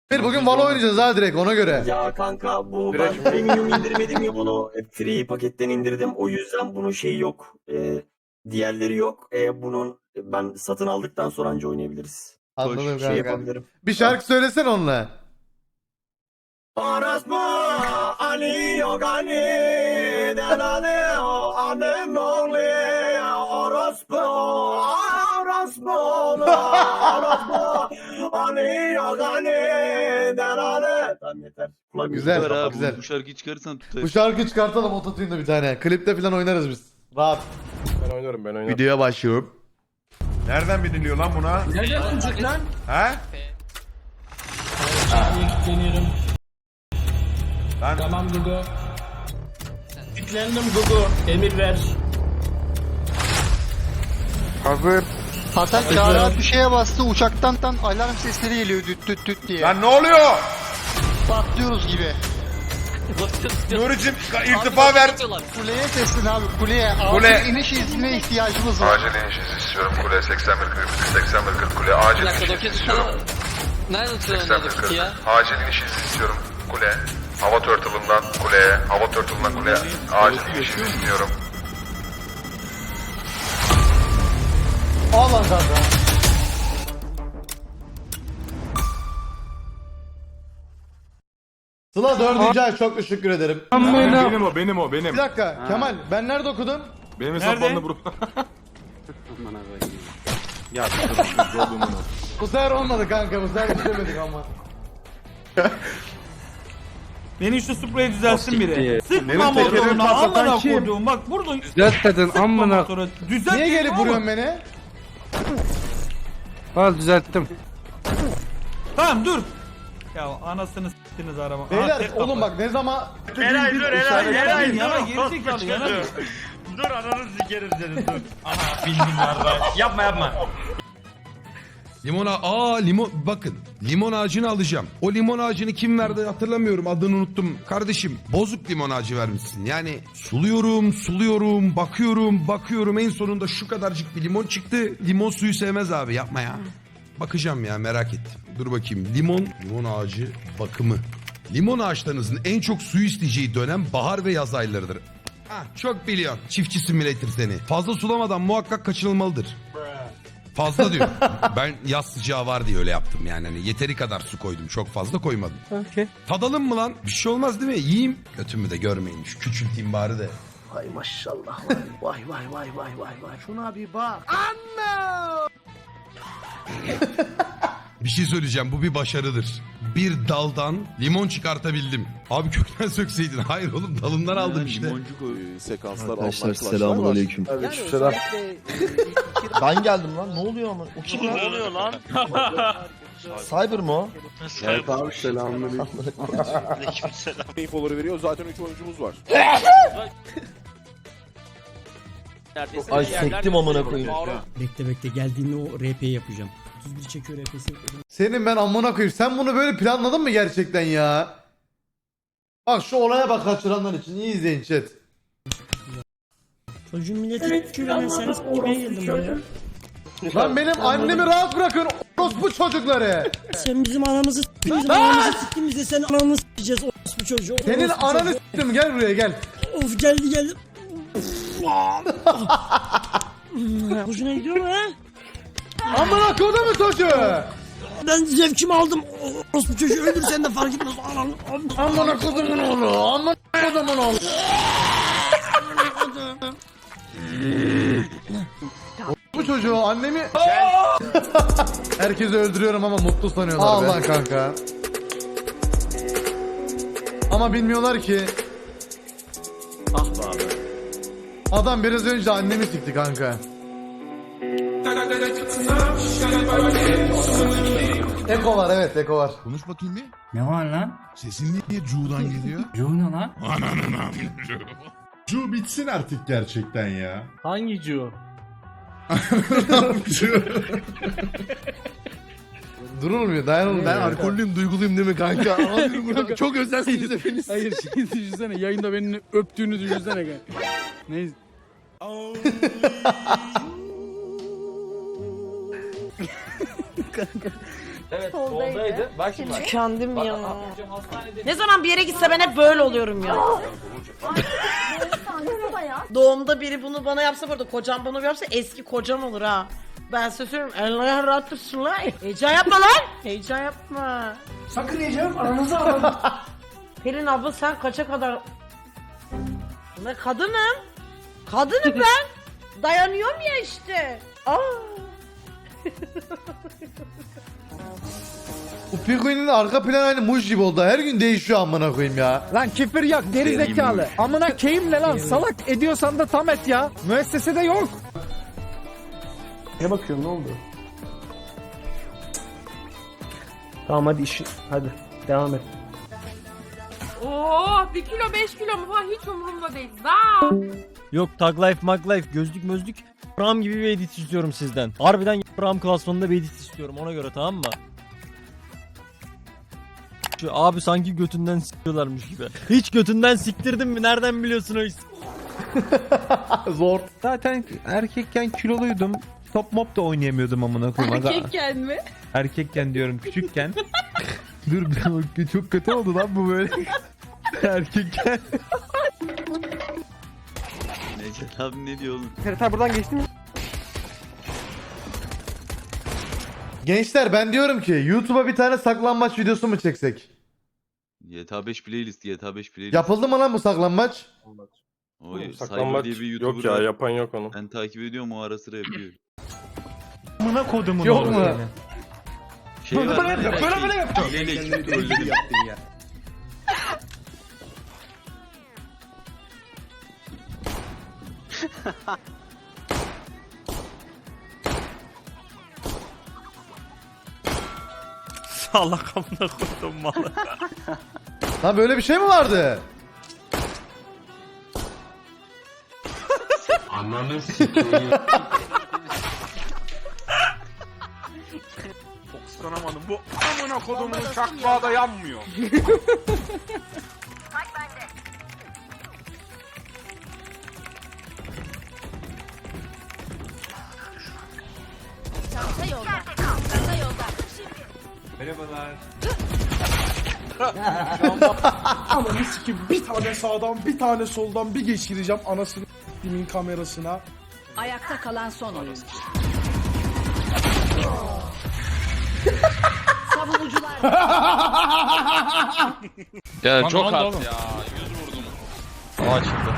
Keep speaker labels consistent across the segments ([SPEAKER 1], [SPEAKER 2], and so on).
[SPEAKER 1] Bir bugün Valo oynayacağız ha direkt ona göre.
[SPEAKER 2] Ya kanka bu ben premium indirmedim ya bunu. Free paketten indirdim. O yüzden bunun şeyi yok. Diğerleri yok. Bunun ben satın aldıktan sonra anca oynayabiliriz.
[SPEAKER 1] Anladım
[SPEAKER 2] Şey
[SPEAKER 1] kanka.
[SPEAKER 2] yapabilirim.
[SPEAKER 1] Bir şarkı söylesene onunla.
[SPEAKER 2] Orospu Ali yok Ali delali annem oğlu orospu orospu orospu Ali yok Ali delali. Tamam yeter. Kulak
[SPEAKER 1] Güzel,
[SPEAKER 2] yüzü kapat.
[SPEAKER 1] güzel.
[SPEAKER 3] Bu şarkıyı çıkarırsan tutar.
[SPEAKER 1] Bu şarkıyı çıkartalım ototune'da bir tane. Klipte falan oynarız biz. Rahat.
[SPEAKER 4] Ben oynarım.
[SPEAKER 1] Videoya başlıyorum.
[SPEAKER 5] Nereden biliniyor lan buna?
[SPEAKER 6] Nereden çık lan?
[SPEAKER 5] He?
[SPEAKER 6] Yükleniyorum.
[SPEAKER 5] Lan
[SPEAKER 6] Tamam Gugu. Yüklendim Gugu. Emir ver.
[SPEAKER 7] Hasan Çağrı bir şeye bastı uçaktan alarm sesleri geliyor düt düt düt diye.
[SPEAKER 5] lan ne oluyor?
[SPEAKER 7] Patlıyoruz gibi.
[SPEAKER 5] Nuri'cim irtifa ver.
[SPEAKER 7] Kuleye seslen abi kuleye.
[SPEAKER 5] Kule.
[SPEAKER 7] Acil iniş iznine ihtiyacımız var.
[SPEAKER 8] Acil iniş izni istiyorum. Kule 8140 kule acil iniş izni istiyorum.
[SPEAKER 9] Nerede tutuyor
[SPEAKER 8] 8140
[SPEAKER 9] ya?
[SPEAKER 8] acil iniş izni istiyorum. Kule. Hava turtle'ından kuleye. Hava turtle'ından kuleye. Acil iniş izni istiyorum.
[SPEAKER 1] Al lan kanka. Sıla 4. ay çok teşekkür ederim.
[SPEAKER 4] Benim o.
[SPEAKER 1] Bir dakika Kemal ben nerede okudum?
[SPEAKER 4] Benim hesaplarımda bro. Ya
[SPEAKER 1] Bu sefer olmadı kanka bu sefer istemedik ama.
[SPEAKER 10] Beni şu spreyi düzelsin biri. Sıkma
[SPEAKER 5] Benim tekerimi
[SPEAKER 10] motorunu
[SPEAKER 5] patlatan
[SPEAKER 10] amına
[SPEAKER 5] kim?
[SPEAKER 10] koduğum. Bak burada
[SPEAKER 6] Düzeltmedin amına.
[SPEAKER 10] düzelt.
[SPEAKER 1] Niye gelip vuruyorsun beni?
[SPEAKER 6] Al düzelttim.
[SPEAKER 10] Tamam dur. Ya anasını s**tiniz araba.
[SPEAKER 1] Beyler oğlum bak ne zaman...
[SPEAKER 10] Eray dur Eray. Yana gerizekalı yana.
[SPEAKER 3] Dur ananı sikeriz dedim dur. Ana bildim yarra. Yapma.
[SPEAKER 11] Limon bakın limon ağacını alacağım. O limon ağacını kim verdi hatırlamıyorum, adını unuttum. Kardeşim bozuk limon ağacı vermişsin. Yani suluyorum bakıyorum en sonunda şu kadarcık bir limon çıktı. Limon suyu sevmez abi, yapma ya. Bakacağım ya, merak ettim. Dur bakayım, limon ağacı bakımı. Limon ağaçlarınızın en çok suyu isteyeceği dönem bahar ve yaz aylarıdır. Çok biliyorsun çiftçi simülatör seni. Fazla sulamadan muhakkak kaçınılmalıdır. Fazla diyor. Ben yaz sıcağı var diye öyle yaptım yani. Hani yeteri kadar su koydum. Çok fazla koymadım.
[SPEAKER 6] Okey.
[SPEAKER 11] Tadalım mı lan? Bir şey olmaz değil mi? Yiyeyim. Götümü de görmeyin. Şu küçülteyim bari de.
[SPEAKER 2] Vay maşallah vay. Vay. Şuna bir bak.
[SPEAKER 11] Bir şey söyleyeceğim. Bu bir başarıdır. Bir daldan limon çıkartabildim. Abi kökten sökseydin. Hayır oğlum, dalından aldım işte.
[SPEAKER 4] Sekanslar
[SPEAKER 2] Arkadaşlar selamünaleyküm.
[SPEAKER 4] Aleykümselam.
[SPEAKER 2] Ben geldim lan ne oluyor ama? O kim
[SPEAKER 3] Ne oluyor lan?
[SPEAKER 2] Cyber mı o?
[SPEAKER 4] Evet abi selamünaleyküm. Infoları veriyor. Zaten 3 oyuncumuz var.
[SPEAKER 2] Ay sektim amına koyayım.
[SPEAKER 6] Bekle geldiğinde o RP'yi yapacağım. 31 çekiyor RP'si.
[SPEAKER 1] Senin ben amına koyayım. Sen bunu böyle planladın mı gerçekten ya? Bak şu olaya bak kaçıranlar için. İyi izleyin chat.
[SPEAKER 6] Çocuğun milleti küreneseniz kime geldim buraya?
[SPEAKER 1] Lan benim annemi rahat bırakın. Orospu çocukları.
[SPEAKER 6] Sen bizim anamızı s**tin, bizim anamızı s**tin, biz de senin ananı s**eceğiz orospu çocuğu.
[SPEAKER 1] Senin
[SPEAKER 6] orospu
[SPEAKER 1] ananı
[SPEAKER 6] çocuğu.
[SPEAKER 1] s**tim, gel buraya gel.
[SPEAKER 6] Of geldi. Hoşuna gidiyor mu ha?
[SPEAKER 1] Amına kodumu çocuğu.
[SPEAKER 6] Ben zevkimi aldım. Orospu çocuğu öldürsen de fark etmez.
[SPEAKER 1] Amına kodumun oğlu. Amına kodumun oğlu. Bu çocuğu annemi... Herkesi öldürüyorum ama mutlu sanıyorlar. Allah kanka. Ama bilmiyorlar ki... Adam biraz önce annemi sikti kanka. Eko var, evet Eko var.
[SPEAKER 11] Konuş bakayım bir.
[SPEAKER 6] Ne var lan?
[SPEAKER 11] Sesin niye Cu'dan geliyor?
[SPEAKER 6] Yuh ne lan?
[SPEAKER 5] Cu bitsin artık gerçekten ya.
[SPEAKER 10] Hangi Cu?
[SPEAKER 1] Durulmuyor, dayanılmıyor.
[SPEAKER 11] Ben alkollüyüm, duyguluyum değil mi kanka? Çok özelsiniz hepiniz.
[SPEAKER 10] Hayır şey düşünsene yayında beni öptüğünü düşünsene kanka. Neyse.
[SPEAKER 3] Evet soldaydı. Bak şimdi.
[SPEAKER 6] Tükendim ya.
[SPEAKER 3] Hastanede
[SPEAKER 6] Ne zaman bir yere gitse ben hep böyle oluyorum ya. Doğumda biri bunu bana yapsa, burada kocam bunu yapsa eski kocam olur ha. Ben size söylüyorum. Allah rahat dursun lan. Heyecan yapma lan. Heyecan yapma.
[SPEAKER 10] Sakın yiyeceğim aranızı alın.
[SPEAKER 6] Pelin abla sen kaça kadar... Ben kadınım. Kadınım ben. Dayanıyorum ya işte. Aa.
[SPEAKER 1] Bu Pikuin'in arka planı aynı Muj gibi oldu. Her gün değişiyor amına koyayım ya.
[SPEAKER 10] Lan küfür yok geri zekalı. Amına keyim ne lan salak ediyorsan da tam et ya. Müessesede yok. Ne bakıyorsun ne oldu? Tamam hadi hadi devam et.
[SPEAKER 6] Oo, 1 kilo 5 kilo mu falan hiç umurumda değil. Daha.
[SPEAKER 10] Yok tag life mag life gözlük mözlük ram gibi bir edit istiyorum sizden. Harbiden ram klasmanında bir edit istiyorum ona göre tamam mı? Şu abi sanki götünden sikiyorlarmış gibi. Hiç götünden siktirdin mi? Nereden biliyorsun o işi?
[SPEAKER 1] Zor.
[SPEAKER 10] Zaten erkekken kiloluydum. Top mop da oynayamıyordum amına koyayım.
[SPEAKER 6] Erkekken mi?
[SPEAKER 10] Erkekken diyorum küçükken. Dur çok kötü oldu lan bu böyle. Erkekken.
[SPEAKER 4] Necdet abi ne diyor oğlum?
[SPEAKER 10] Ferit buradan geçti mi?
[SPEAKER 1] Gençler ben diyorum ki YouTube'a bir tane saklanmaç videosu mu çeksek?
[SPEAKER 4] GTA 5 playlist, GTA 5 playlist.
[SPEAKER 1] Yapıldı mı lan bu saklanmaç?
[SPEAKER 4] O Cyber diye bir YouTuber
[SPEAKER 10] yok ya
[SPEAKER 4] var.
[SPEAKER 10] yapan yok onu.
[SPEAKER 4] Ben takip ediyorum o ara sıra yapıyor.
[SPEAKER 10] Amına kodumun
[SPEAKER 1] Yok
[SPEAKER 10] oğlu
[SPEAKER 1] mu?
[SPEAKER 10] seni.
[SPEAKER 4] Şey var. Böyle yaptım. Hileyle ekip trolledim.
[SPEAKER 3] salak amına koydum malı.
[SPEAKER 1] Lan böyle bir şey mi vardı?
[SPEAKER 3] Ananı sikeyim.
[SPEAKER 5] Fokuslanamadım. Bu amına kodumun çakmağı da yanmıyor.
[SPEAKER 10] Ananı sikeyim bir tane sağdan bir tane soldan bir geçireceğim anasını s**timin kamerasına.
[SPEAKER 6] Ayakta kalan son oyuncu. Savunucular.
[SPEAKER 3] Ya çok az ya. 100 vurdum.
[SPEAKER 10] O açıldı.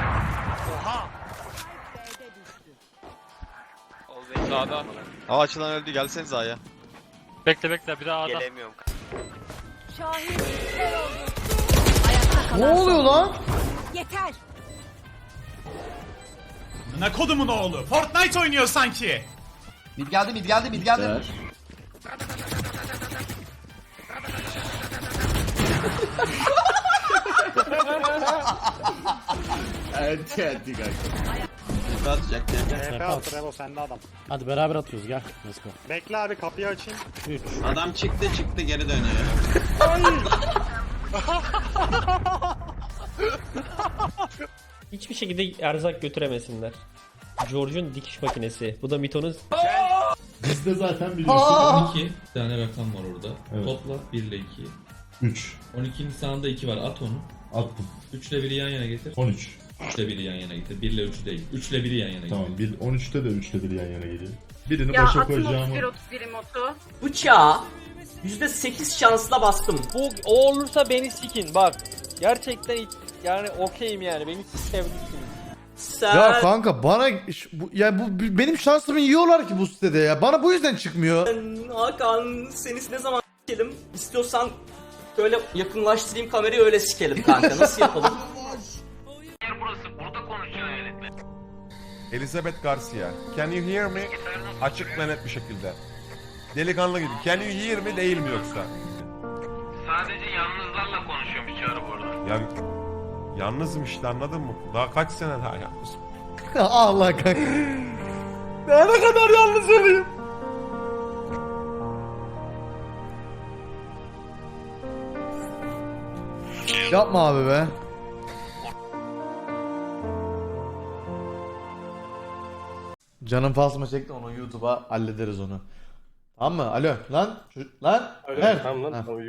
[SPEAKER 3] Sağda.
[SPEAKER 10] Hava açılan öldü gelseniz A'ya.
[SPEAKER 3] Bekle bir daha adam.
[SPEAKER 10] Gelemiyorum.
[SPEAKER 6] Şahin Ayakta kalan
[SPEAKER 1] Ne oluyor lan?
[SPEAKER 6] Yeter.
[SPEAKER 3] Ne kodumun oğlu? Fortnite oynuyor sanki.
[SPEAKER 7] Mid geldi.
[SPEAKER 10] Hadi beraber atıyoruz gel. Let's go.
[SPEAKER 3] Bekle abi kapıyı açayım.
[SPEAKER 10] 3.
[SPEAKER 7] Adam çıktı geri dönüyor.
[SPEAKER 10] Hiçbir şekilde erzak götüremesinler. George'un dikiş makinesi. Bu da Mito'nun...
[SPEAKER 5] Bizde zaten biliyorsun.
[SPEAKER 9] 12 tane rakam var orada.
[SPEAKER 5] Evet.
[SPEAKER 9] Topla 1 ile 2.
[SPEAKER 5] 3.
[SPEAKER 9] 12'nin sağında 2 var. At onu.
[SPEAKER 5] Attım.
[SPEAKER 9] 3 ile 1'i yan yana getir.
[SPEAKER 5] 13.
[SPEAKER 9] 3 ile 1'i yan yana getir. 1 ile 3 değil. 3 ile 1'i yan yana getir.
[SPEAKER 5] Tamam. 13'te de 3'te bir yan yana geliyor. Birini başa koyacağımı...
[SPEAKER 6] motu.
[SPEAKER 2] Bıçağı %8 şansla bastım.
[SPEAKER 10] Bu o olursa beni sikin bak. Gerçekten yani okeyim yani. Beni sevdiksiniz.
[SPEAKER 1] Ya kanka bana yani bu benim şansımı yiyorlar ki bu sitede ya. Bana bu yüzden çıkmıyor.
[SPEAKER 2] Hakan seni ne zaman sikelim? İstiyorsan böyle yakınlaştırayım kamerayı öyle sikelim kanka. Nasıl yapalım?
[SPEAKER 5] Elizabeth Garcia. Can you hear me? Açık ve net bir şekilde. Delikanlı gibi. Can you hear me değil mi yoksa?
[SPEAKER 3] Sadece yalnızlarla konuşuyormuş çağrı bu arada.
[SPEAKER 5] Ya yalnızım işte anladın mı? Daha kaç sene daha yalnızım.
[SPEAKER 1] Allah kanka. Ne kadar yalnız olayım. Yapma abi be. Canım fasma çekti onu YouTube'a hallederiz onu. Tamam mı? Alo lan. Lan. Ver. Ha.